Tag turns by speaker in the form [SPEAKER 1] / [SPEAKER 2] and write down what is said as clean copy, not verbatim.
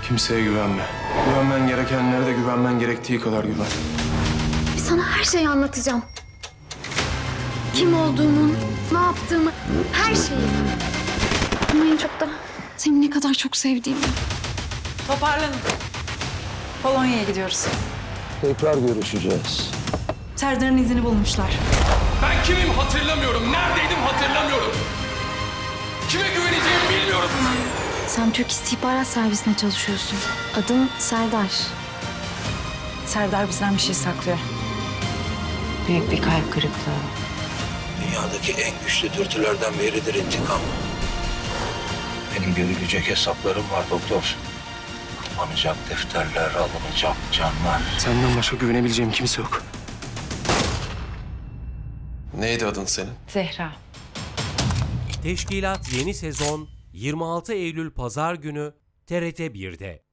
[SPEAKER 1] Kimseye güvenme. Güvenmen gerekenlere de güvenmen gerektiği kadar güven.
[SPEAKER 2] Sana her şeyi anlatacağım. Kim olduğumu, ne yaptığımı, her şeyi. Ama en çok da seni ne kadar çok sevdiğimi.
[SPEAKER 3] Toparlanın. Polonya'ya gidiyoruz.
[SPEAKER 4] Tekrar görüşeceğiz.
[SPEAKER 3] Serdar'ın izini bulmuşlar.
[SPEAKER 1] Ben kimim hatırlamıyorum. Neredeydim hatırlamıyorum. Kime güveneceğimi bilmiyorum.
[SPEAKER 2] Sen Türk İstihbarat Servisine çalışıyorsun. Adın Serdar.
[SPEAKER 3] Serdar bizden bir şey saklıyor.
[SPEAKER 5] Büyük bir kalp kırıklığı.
[SPEAKER 4] Dünyadaki en güçlü dürtülerden biridir intikam. Benim görülecek hesaplarım var doktor. Kapanacak defterler, alınacak canlar.
[SPEAKER 1] Senden başka güvenebileceğim kimse yok. Neydi adın senin?
[SPEAKER 5] Zehra.
[SPEAKER 6] Teşkilat yeni sezon 26 Eylül Pazar günü TRT 1'de.